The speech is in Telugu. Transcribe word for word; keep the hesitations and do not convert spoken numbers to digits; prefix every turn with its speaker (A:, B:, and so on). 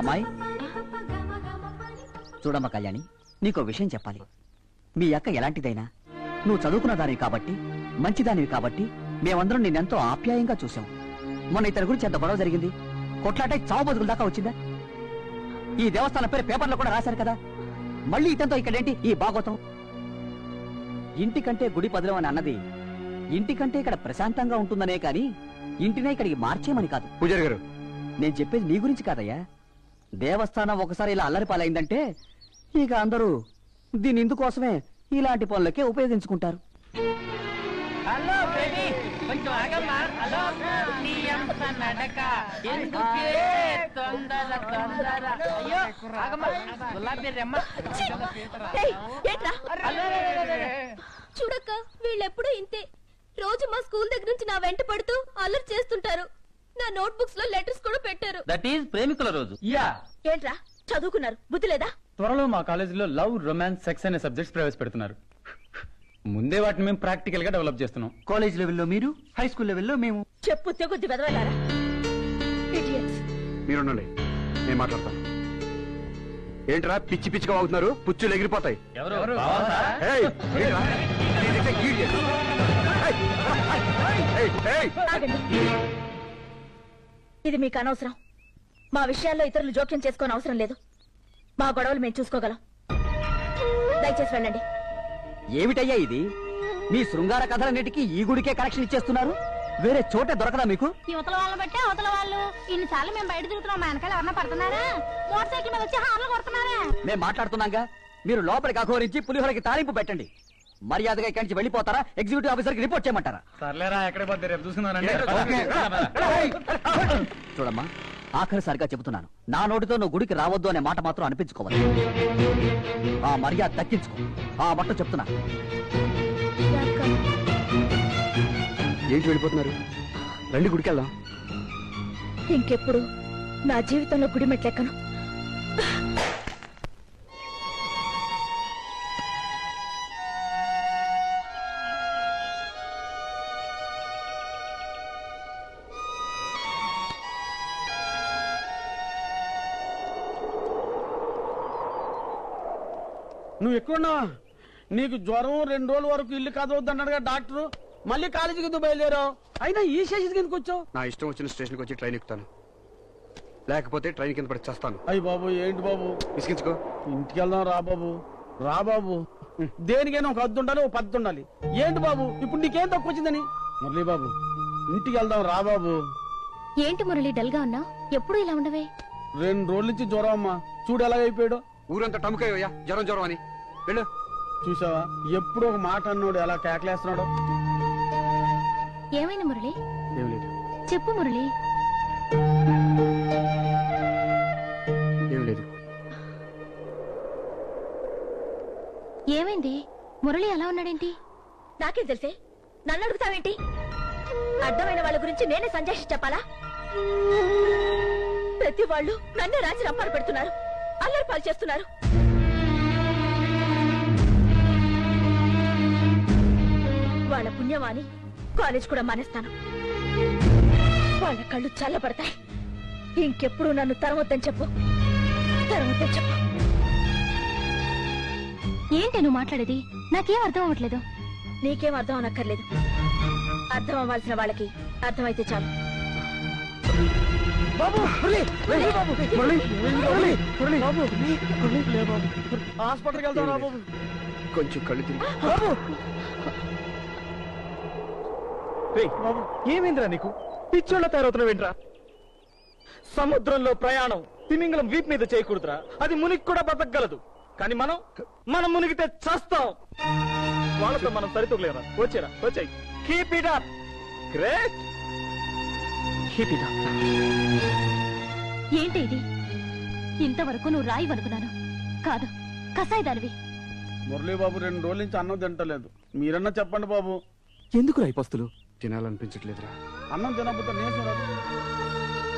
A: అమ్మాయి చూడమ్మ కళ్యాణి, నీకో విషయం చెప్పాలి. మీ అక్క ఎలాంటిదైనా నువ్వు చదువుకున్న దానివి కాబట్టి, మంచిదానివి కాబట్టి మేమందరం నిన్నెంతో ఆప్యాయంగా చూసాం. మొన్న ఇతని గురించి ఎంత గొడవ జరిగింది, కొట్లాటే చావు బతుకుల దాకా వచ్చిందా? ఈ దేవస్థానం పేరు పేపర్లో కూడా రాశారు కదా. మళ్ళీ ఇతనితో ఇక్కడేంటి ఈ భాగవతం? ఇంటికంటే గుడి పదిలం అని అన్నది ఇంటికంటే ఇక్కడ ప్రశాంతంగా ఉంటుందనే కాని ఇంటినే ఇక్కడికి మార్చేమని కాదు.
B: పూజారి గారు,
A: నేను చెప్పేది నీ గురించి కాదయ్యా. దేవస్థానం ఒకసారి ఇలా అల్లరి పాలైందంటే ఇక అందరూ దీని ఇందుకోసమే ఇలాంటి పనులకే ఉపయోగించుకుంటారు.
C: హలో బేబీ, కొంచెం ఆగమ్మా. హలో, నీ అంత నడక ఎందుకే తొందర తొందర? అయ్యో ఆగమ్మా, గులాబీ రెమ్మ.
D: చూడక్క, వీళ్ళెప్పుడు ఇంతే. రోజు మా స్కూల్ దగ్గర నుంచి నా వెంట పడుతూ అల్లరి చేస్తుంటారు. నా నోట్ బుక్స్ లో లెటర్స్ కూడా పెట్టారు.
A: దట్ ఈస్ ప్రేమికుల రోజు.
E: యా,
D: ఏంట్రా చదువుకున్నారు, బుద్ధి లేదా?
E: త్వరలో మా కాలేజీలో లవ్, రొమాన్స్, సెక్స్ అనే సబ్జెక్ట్స్ ప్రవేశపెడుతున్నారు. ముందే వాటిని మేము ప్రాక్టికల్ గా డెవలప్ చేస్తున్నాం.
A: కాలేజ్ లెవెల్లో మీరు, హై స్కూల్ లెవెల్లో మేము.
D: చెప్పు తెగుద్ది వెదవలారా.
B: మీరుండండి, నేను మాట్లాడతాను. ఏంట్రా పిచ్చి పిచ్చిగా అవుతున్నారు? పుచ్చులు ఎగిరిపోతాయి. ఏయ్, ఏంట్రా? నేనైతే గీడ్ చేస్తా. ఏయ్, ఏయ్, ఏయ్.
D: ఆగండి. ఇది మీకు అనవసరం. మా విషయాల్లో ఇతరులు జోక్యం చేసుకోని అవసరం లేదు. మా గొడవలు మేము చూసుకోగలం. దయచేసి వెళ్ళండి.
A: ఏమిటయ్యా ఇది? మీ శృంగార కథలన్నిటికీ ఈ గుడికే కనెక్షన్ ఇచ్చేస్తున్నారు. వేరే చోటే దొరకదా మీకు?
F: యువతల వాళ్ళని బట్టి అవతల వాళ్ళు. ఇన్నిసార్లు మేము బయట తిరుగుతున్నాం, మా వెనకాల ఎవరన్నా పడుతున్నారా? మోటార్ సైకిల్ మీద వచ్చి హార్లు కొడుతున్నారా?
A: మేము మాట్లాడుతున్నాగా. మీరు లోపలికి అఘోరించి పులిహోరకి తాలింపు పెట్టండి. మర్యాదగా ఇక్కడి నుంచి వెళ్ళిపోతారా? ఎగ్జిక్యూటివ్ ఆఫీసర్ కి రిపోర్ట్ చేయమంటారా?
E: సర్లేరా, ఎక్కడ పోతే రేపు చూసుకున్నారండి.
A: చూడమ్మా, ఆఖరిసారిగా చెబుతున్నాను, నా నోటితో నువ్వు గుడికి రావద్దు అనే మాట మాత్రం అనిపించుకోవాలి. ఆ మర్యాద దక్కించుకో. ఆ మట్టు చెప్తున్నా.
B: ఏంటి వెళ్ళిపోతున్నారు? రండి, గుడికి వెళ్దాం.
D: ఇంకెప్పుడు నా జీవితంలో గుడి మెట్లెక్కను.
G: నువ్వు ఎక్కడున్నావా? నీకు జ్వరం రెండు రోజుల వరకు ఇల్లు కదవద్దు అన్నాడుగా డాక్టరు. మళ్ళీ కాలేజీకి ఎందుకు బయలుదేరావు? అయినా ఈ స్టేషన్కి ఎందుకు వచ్చావు?
B: నా ఇష్టం వచ్చిన స్టేషన్కి వచ్చి ట్రైన్ ఎక్కుతాను, లేకపోతే ట్రైన్ కింద పడి చేస్తాను.
G: అయ్యి బాబు, ఏంటి బాబు?
B: విసిగించుకో.
G: ఇంటికి వెళ్దాం రా బాబు. రా బాబు. దేనికైనా ఒక హద్దు ఉండాలి, ఒక పద్ధతి ఉండాలి. ఏంటి బాబు ఇప్పుడు నీకేం తక్కువ వచ్చిందని? మురళీ బాబు, ఇంటికి వెళ్దాం రా బాబు.
F: ఏంటి మురళి, డల్ గా ఉన్నా? ఎప్పుడు ఇలా ఉండవే?
G: రెండు రోజుల నుంచి జ్వరం అమ్మా. చూడు ఎలాగైపోయాడు.
B: ఊరంతా టముకయ్యా జ్వరం జ్వరం అని. వెళ్ళు.
G: చూసావా, ఎప్పుడు ఒక మాట అన్నాడు ఎలా కేకలేస్తున్నాడు.
F: ఏమైంది మురళి?
B: ఏం లేదు.
F: చెప్పు మురళి.
B: ఏం లేదు.
F: ఏమైంది? మురళి అలా ఉన్నాడేంటి?
D: నాకేం తెలిసే? నన్ను అడుగుతావేంటి? అడ్డమైన వాళ్ళ గురించి నేనే సంజాషి చెప్పాలా? ప్రతి వాళ్ళు నన్నే రాసి రప్పాలు పెడుతున్నారు, అల్లరి పాలు చేస్తున్నారు. వాళ్ళ పుణ్యమాని కాలేజ్ కూడా మానేస్తాను. వాళ్ళ కళ్ళు చల్లబడతాయి. ఇంకెప్పుడు నన్ను తరవద్దని చెప్పు, తరవద్దని చెప్పు.
F: ఏంటి నువ్వు మాట్లాడేది? నాకేం అర్థం అవ్వట్లేదు.
D: నీకేం అర్థం అనక్కర్లేదు. అర్థం అవ్వాల్సిన వాళ్ళకి అర్థమైతే చాలు.
G: హాస్పిటల్కి వెళ్దాం రా బాబు.
B: కొంచెం కళ్ళు తిరిగి.
E: ఏమైందిరా నీకు? పిచ్చోళ్ళ తయారవుతున్నావేంట్రా? సముద్రంలో ప్రయాణం తిమింగలం వీప్ మీద చేయకూడదురా. అది మునిగి కూడా బతకగలదు, కానీ మనం మనం మునిగితే చస్తాం. వాళ్ళతో మనం సరితూగలేరా? వచ్చేరా, వచ్చాయి. Keep it up. Great. Keep it up.
F: ఏంటి ఇది? ఇంతవరకు నువ్వు రాయి అనుకున్నాను, కాదు కసాయిదానివి.
G: మురళీ బాబు రెండు రోజుల నుంచి అన్నం తింటలేదు. మీరన్నా చెప్పండి బాబు.
B: ఎందుకు రాయి పస్తులు? తినాలనిపించట్లేదురా.
G: అన్నం తినకపోతే నేను